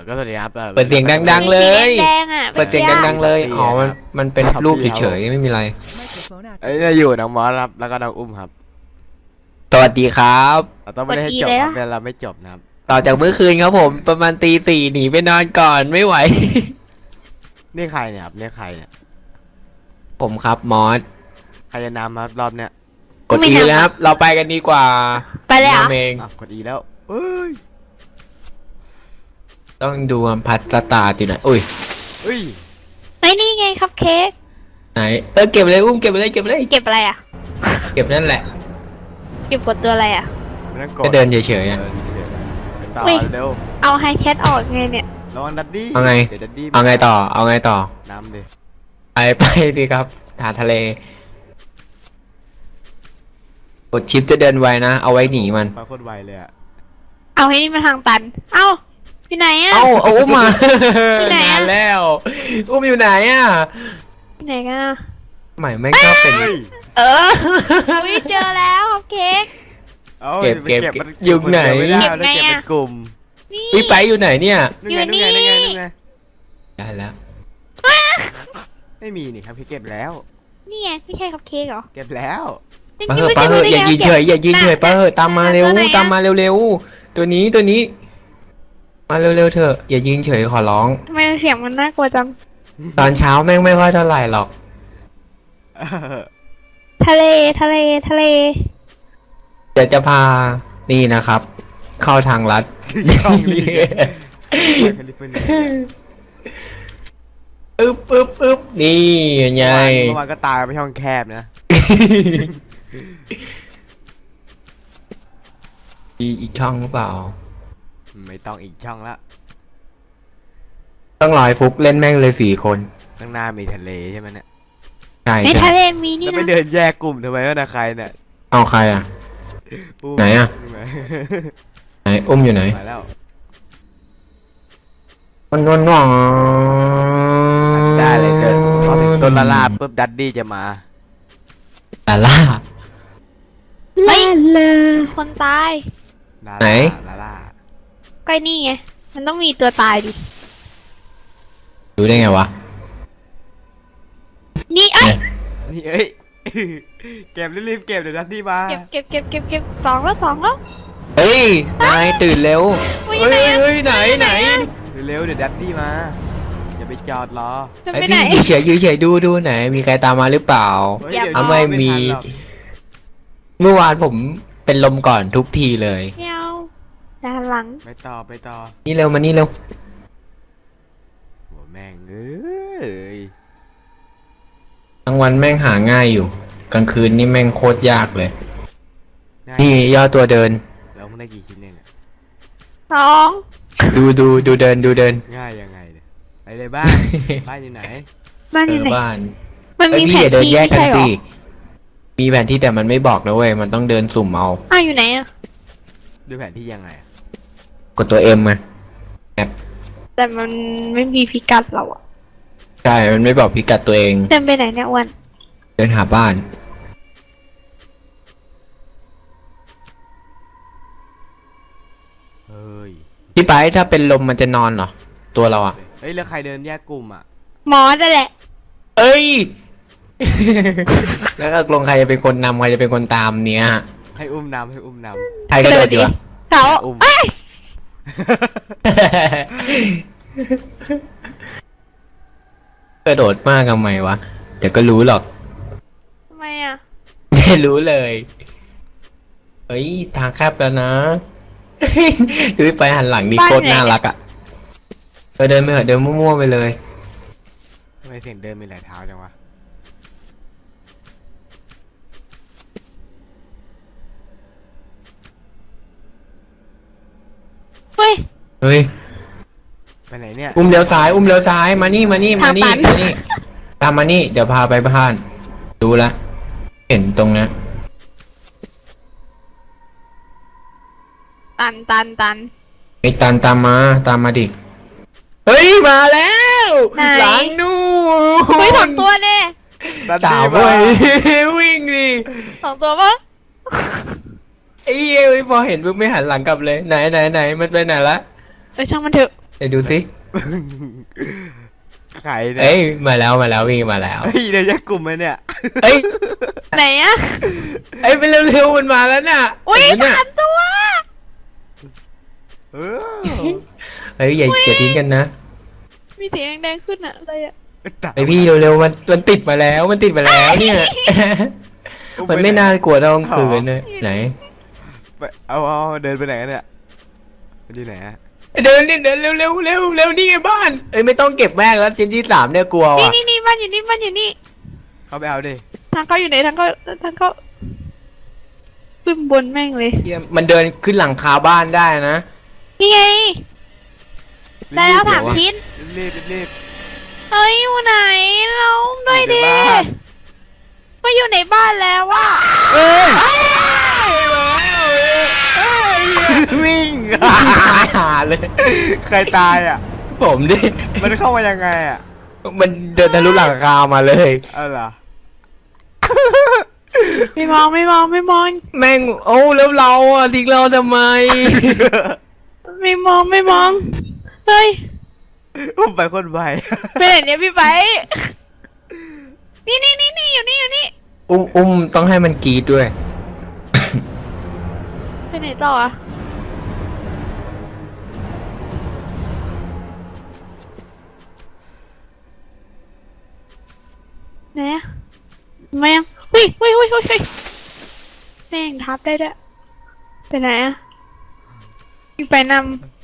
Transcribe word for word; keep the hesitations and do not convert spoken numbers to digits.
ก็สวัสดีครับเปิดเสียงดังๆเลยแดงๆอ่ะเปิดเสียงดังๆเลยอ๋อมันมันเป็นรูปเฉยๆไม่มีอะไรเอ้ยอยู่น้องมอสครับแล้วก็น้องอุ้มครับสวัสดีครับเราต้องไม่ได้ให้จบครับแต่เราไม่จบนะครับต่อจากเมื่อคืนครับผมประมาณตีสี่หนีไปนอนก่อนไม่ไหวนี่ใครเนี่ยครับนี่ใครเนี่ยผมครับมอสใครจะนำครับรอบเนี้ยกดอีแล้วครับเราไปกันดีกว่าไปเลยเหรอทำเองอ่ะกดอีแล้วเอ้ยต้องดูความพัดสตาร์ทอยู่ไหนอุ้ยเอ้ยไอ้นี่ไงคัพเค้กไหนเออเก็บเลยอุ้มเก็บเลยเก็บเลยเก็บอะไรอ่ะเก็บนั่นแหละเก็บกดตัวอะไรอ่ะไม่ต้องกดก็เดินเฉยๆเออ่ะอเฉยๆไปต่ออุ๊ยเร็วเอาไฮแคทออกไงเนี่ยระวังดัดดี้เอาไงเดี๋ยวดัดดี้เอาไงต่อเอาไงต่อน้ำดิไปไปดีครับหาทะเลกดชิปจะเดินไวนะเอาไว้หนีมันไปโคตรไวเลยอ่ะเอาให้นี่มาทางตัน เอ้าอยู่ไหนอ่ะเอ้าเอาอุ้มมาที่ไหนอะนานแล้วอุ้มอยู่ไหนอ่ะอยู่ไหนกันอ่ะใหม่ไม่งก็เป็นเฮ้ยเอออุ้ยเจอแล้วคัพเค้กเอาเก็บไปเก็บมันอยู่ไหนคเดีวไม่ได้เก็บต้องไงเก็บอะเป็นกลุ่มนี่พี่ไปอยู่ไหนเนี่ยนู่นไงนู่นไงอยู่นู่นไงนี่นู่นไงได้แล้วไม่มีนี่ครับพี่เก็บแล้วนี่ไงไม่ใช่คัพเค้กเหรอเก็บแล้วปะเหอะปะเหอะอย่ายืนเฉยอย่ายืนเฉยปะเหอะตามมาเร็วตามมาเร็วๆตัวนี้ตัวนี้ มาเร็วๆเถอะอย่ายืนเฉยขอร้องทำไมเสียงมันน่ากลัวจังตอนเช้าแม่งไม่ค่อยเท่าไหร่หรอกทะเลทะเลทะเลเดี๋ยวจะพานี่นะครับ เข้าทางลัดช่องนี้ไงแคลิฟอร์เนียอึ๊บอึ๊บอึ๊บนี่ไงเมื่อวานก็ตายไปช่องแคบนะมีอีกช่องหรือเปล่าไม่ต้องอีกช่องละต้องรอยฟุกเล่นแม่งเลยสี่คนข้างหน้ามีทะเลใช่ไหมเนี่ยใช่ในใช่ทะเลมีนี่แล้วไม่นะเดินแยกกลุ่มทำไมวะนะใครเนี่ยเอาใครอ่ะปูไหนอะใช่ไหมไหนอุ้มอยู่ไหนมาแล้วมันนวลนวลได้เลยเกิดพอถึงต้นละลาบปุ๊บดัดดี้จะมาลาล่าเฮ้ยคนตายลาไหนลาลาก็นี่ไง มันต้องมีตัวตายดิดูได้ไงวะนี่เอ้ยนี่เอ้ย เก็บรีบๆเก็บเดี๋ยวดัดดี้มาเก็บเก็บเก็บเก็บเก็บสองแล้วสองแล้วเฮ้ยนายตื่นเร็วอุ๊ยเฮ้ยไหนอะเฮ้ยไหนไหนเร็วๆเดี๋ยวดัดดี้มาอย่าไปจอดรอจะไอไปไหนพี่ยืนเฉยยืนเฉยดูดูไหน มีใครตามมาหรือเปล่าเฮ้ยอย่าเดี๋ยวอ่ะไม่มีทันหรอกเมื่อวานผมเป็นลมก่อนทุกทีเลยไม่เอาด้านหลังไปต่อไปต่อนี่เร็วมานี่เร็วโหแม่งเอ้ยกลางวันแม่งหาง่ายอยู่ กลางคืนนี่แม่งโคตรยากเลยง่ายนี่ย่อตัวเดินแล้วมึงได้กี่ชิ้นเนี่ยสองดูดูดูเดินดูเดินง่ายยังไงเนี่ยไปเลยบ้าน บ้านอยู่ไหนบ้านเออยู่อไหนบ้านมันไอมีพี่แผอน ย่าเดินที่แยกกันใช่เหรสิอมีแผนที่แต่มันไม่บอกนะเว้ย มันต้องเดินสุ่มเอาอ้าวอยู่ไหนอะดูแผนที่ยังไงอะกดตัวเอ็มมาแต่มันไม่มีพิกัดเราอะใช่ มันไม่บอกพิกัดตัวเองเดินไปไหนเนี่ยอ้วันเดินหาบ้านเฮ้ยพี่ไปถ้าเป็นลมมันจะนอนเหรอ ตัวเราอะเฮ้ยแล้วใครเดินแยกกลุ่มอ่ะหมอจะแหละเอ้ย แล้วก็ลงใครจะเป็นคนนำใครจะเป็นคนตามเนี้ยให้อุ้มนำให้อุ้มนใครก็โดดดีวะเขาอุ้มเอ้ยกระโดดมากทำไมวะ เดี๋ยวก็รู้หรอกทำไมอะไม่รู้เลย เฮ้ย ทางแคบแล้วนะ ดูไปหันหลังดีโคตรน่ารักอ่ะเออเดินไปเถอะเดินมั่วๆไปเลยำทำไมเสียงเดินมีหลายเท้าจังวะเฮ้ยเฮ้ยไปไหนเนี่ยอุ้มเลี้ยวซ้าย อุ้มเลี้ยวซ้าย มานี่ มานี่ มานี่ทางตันมานี่ ตามมานี่ เดี๋ยวพาไปบ้าน ดูละ เห็นตรงนั้นตันตันตันไอ้ตันตามมา ตามมาดิ เฮ้ย มาแล้วไหนหลังนู่นเฮ้ยสองตัวเนี่ยดัดสาดี้วมาเว้ย วิ่งดิสองตัวปะไอ้เอ้ยพอเห็นปุ๊บไม่หันหลังกลับเลย ไหนไหนไหนมันไปไหนละเออช่างมันเถอะเดี๋ยวดูสิใครเนี่ยเอ้ยมาแล้วมาแล้ววิ่งมาแล้วเฮ้ยเดี๋ยวแยกกลุ่มไหมเนี่ยเอ้ยไหนอะเอ้ยไปเร็วๆมันมาแล้วน่ะอุ้ยเห็นไหมเนี่ยสามตัวเออเฮ้ยอย่าอย่าทิ้งกันนะมีสีแดงๆขึ้นอะอะไรอะไอพี่เร็วๆมันมันติดมาแล้วมันติดมาแล้วเนี่ย มันไม่น่ากลัวเท่ากลางคืนเลยไหนไปเอาเอาเดินไปไหนกันเนี่ยมันอยู่ไหนอะเดินดิเดินเร็วเร็วเร็วเร็วนี่ไงบ้านเอ้ยไม่ต้องเก็บแม่งแล้วเจนที่สามเนี่ยกลัวนี่ว่ะนี่นี่บ้านอยู่นี่บ้านอยู่นี่เข้าไปเอาดิทางเข้าอยู่ไหนทางเข้าทางเข้าขึ้นบนแม่งเลยเหี้ยมันเดินขึ้นหลังคาบ้านได้นะนี่ไงได้แล้วรีบๆถามชิ้นรีบรีบเฮ้ยอยู่ไหนเราด้วยอยู่ดิในบ้านมาอยู่ในบ้านแล้วว่ะเอ้ยวิ่งตายหาเลยใครตายอ่ะผมดิมันเข้ามายังไงอ่ะมันเดินทะลุหลังคามาเลยเออเหรอไม่มองไม่มองไม่มองแม่งโอ้แล้วเราอ่ะทิ้งเราทำไมไม่มองไม่มองเฮ้ยอุ้มไปคนใบไปไหนเนี่ยพี่ไปนี่นี่นี่นี่อยู่นี่อยู่นี่อุ้มอุ้มต้องให้มันกรีดด้วยไปไหนต่ออะไหนอะทำไมอะหุ้ยหุ้ยหุ้ยหุ้ยหุ้ยแม่งทับได้ด้วยไปไหนอะพี่ไปนำ